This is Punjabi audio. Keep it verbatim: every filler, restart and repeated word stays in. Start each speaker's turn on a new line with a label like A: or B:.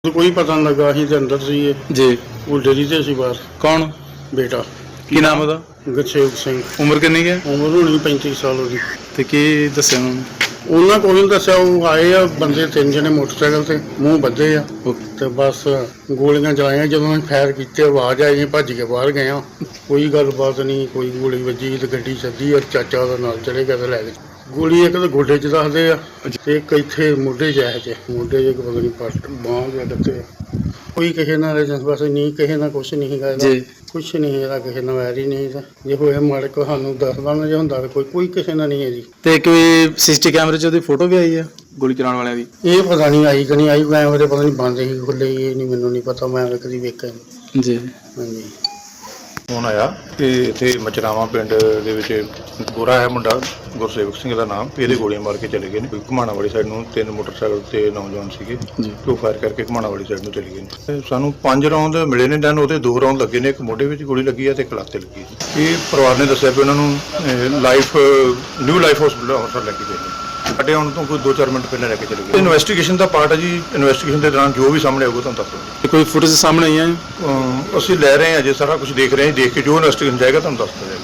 A: ਕੋਈ ਪਤਾ ਨਹੀਂ ਲੱਗਾ ਅਸੀਂ ਤੇ ਅੰਦਰ ਸੀ
B: ਜੀ।
A: ਉਹ ਡਰੀ ਤੇ ਸੀ ਬਾਹਰ।
B: ਕੌਣ?
A: ਬੇਟਾ।
B: ਕੀ ਨਾਮ ਉਹਦਾ?
A: ਗੁਰਸੇਵਕ ਸਿੰਘ।
B: ਉਮਰ ਕਿੰਨੀ ਹੈ?
A: ਉਮਰ ਹੋਣੀ ਪੈਂਤੀ ਸਾਲ ਉਹਦੀ।
B: ਤੇ ਕੀ ਦੱਸਿਆ ਉਹਨਾਂ ਨੇ?
A: ਉਹਨਾਂ ਕੋਈ ਨਹੀਂ ਦੱਸਿਆ। ਉਹ ਆਏ ਆ ਬੰਦੇ ਤਿੰਨ ਜਣੇ ਮੋਟਰਸਾਈਕਲ ਤੇ ਮੂੰਹ ਬੱਧੇ ਆ ਤੇ ਬਸ ਗੋਲੀਆਂ ਚਲਾਈਆਂ। ਜਦੋਂ ਅਸੀਂ ਫਾਇਰ ਕੀਤੇ ਆਵਾਜ਼ ਆਈ, ਭੱਜ ਕੇ ਬਾਹਰ ਗਏ ਆ। ਕੋਈ ਗੱਲਬਾਤ ਨਹੀਂ, ਕੋਈ ਗੋਲੀ ਵੱਜੀ ਤੇ ਗੱਡੀ ਸੱਦੀ ਔਰ ਚਾਚਾ ਉਹਦਾ ਨਾਲ ਚਲੇ ਗਿਆ ਤੇ ਲੈ ਗਏ। ਗੋਲੀ ਇੱਕ ਤਾਂ ਗੋਡੇ 'ਚ ਦੱਸਦੇ ਆ ਤੇ ਇੱਕ ਇੱਥੇ ਮੋਢੇ 'ਚ ਹੈ ਚ ਮੋਢੇ 'ਚ ਪਤਾ ਨਹੀਂ ਪੱਟ ਬਾਂਹ ਜਾਂ ਕਿੱਥੇ। ਕੋਈ ਕਿਸੇ ਨਾਲ ਬਸ ਨਹੀਂ, ਕਿਸੇ ਨਾਲ ਕੁਛ ਨਹੀਂ ਹੈਗਾ ਇਹਦਾ। ਕੁਛ ਨਹੀਂ ਇਹਦਾ, ਕਿਸੇ ਨਾਲ ਵੈਰ ਹੀ ਨਹੀਂ ਇਹਦਾ। ਜੇ ਹੋਇਆ ਮਾੜੇ ਕੋ ਸਾਨੂੰ ਦੱਸਦਾ ਨਾ, ਜੇ ਹੁੰਦਾ ਤਾਂ ਕੋਈ ਕੋਈ ਕਿਸੇ ਨਾਲ ਨਹੀਂ ਹੈ ਜੀ।
B: ਤੇ ਕੋਈ ਸੀਸੀਟੀ ਕੈਮਰੇ 'ਚ ਉਹਦੀ ਫੋਟੋ ਵੀ ਆਈ ਆ ਗੋਲੀ ਚਲਾਉਣ ਵਾਲਿਆਂ ਦੀ?
A: ਇਹ ਪਤਾ ਨਹੀਂ ਆਈ ਕਿ ਨਹੀਂ ਆਈ। ਕੈਮਰੇ ਪਤਾ ਨਹੀਂ ਬੰਦ ਹੀ ਖੁੱਲੇ, ਇਹ ਨਹੀਂ ਮੈਨੂੰ ਨਹੀਂ ਪਤਾ। ਮੈਂ ਕਦੀ ਵੇਖਿਆ ਨਹੀਂ
B: ਜੀ।
A: ਹਾਂਜੀ।
C: ਫੋਨ ਆਇਆ ਕਿ ਇੱਥੇ ਮਚਰਾਵਾਂ ਪਿੰਡ ਦੇ ਵਿੱਚ ਗੋਰਾ ਹੈ ਮੁੰਡਾ, ਗੁਰਸੇਵਕ ਸਿੰਘ ਦਾ ਨਾਮ, ਇਹਦੇ ਗੋਲੀਆਂ ਮਾਰ ਕੇ ਚਲੇ ਗਏ ਨੇ। ਘੁਮਾਣਾ ਵਾਲੀ ਸਾਈਡ ਨੂੰ ਤਿੰਨ ਮੋਟਰਸਾਈਕਲ ਤੇ ਨੌਜਵਾਨ ਸੀਗੇ ਜੋ ਫਾਇਰ ਕਰਕੇ ਘੁਮਾਣਾ ਵਾਲੀ ਸਾਈਡ ਨੂੰ ਚਲੇ ਗਏ ਨੇ। ਸਾਨੂੰ ਪੰਜ ਰੌਂਦ ਮਿਲੇ ਨੇ ਡਨ, ਉਹਦੇ ਦੋ ਰੌਂਦ ਲੱਗੇ ਨੇ। ਇੱਕ ਮੋਢੇ ਵਿੱਚ ਗੋਲੀ ਲੱਗੀ ਹੈ ਤੇ ਇੱਕ ਲੱਤ ਤੇ ਲੱਗੀ ਹੈ। ਇਹ ਪਰਿਵਾਰ ਨੇ ਦੱਸਿਆ ਵੀ ਉਹਨਾਂ ਨੂੰ life new life hospital Amritsar ਲੈ ਕੇ ਗਏ ਨੇ। ਸਾਡੇ ਆਉਣ ਤੋਂ ਕੋਈ ਦੋ ਚਾਰ ਮਿੰਟ ਪਹਿਲਾਂ ਲੈ ਕੇ ਚਲੇ ਗਏ। ਇਨਵੈਸਟੀਗੇਸ਼ਨ ਦਾ ਪਾਰਟ ਹੈ ਜੀ। ਇਨਵੈਸਟੀਗੇਸ਼ਨ ਦੇ ਦੌਰਾਨ ਜੋ ਵੀ ਸਾਹਮਣੇ ਆਊਗਾ ਤੁਹਾਨੂੰ ਦੱਸ ਦਿਆਂਗੇ।
B: ਕੋਈ ਫੁਟੇਜ ਸਾਹਮਣੇ ਆਈ ਹੈ?
C: ਅਮ ਅਸੀਂ ਲੈ ਰਹੇ ਹਾਂ, ਅਜੇ ਸਾਰਾ ਕੁਝ ਦੇਖ ਰਹੇ ਹਾਂ। ਦੇਖ ਕੇ ਜੋ ਇਨਵੈਸਟੀਗੇਸ਼ਨ ਜਾਏਗਾ ਤੁਹਾਨੂੰ ਦੱਸ ਦਿਆਂਗੇ।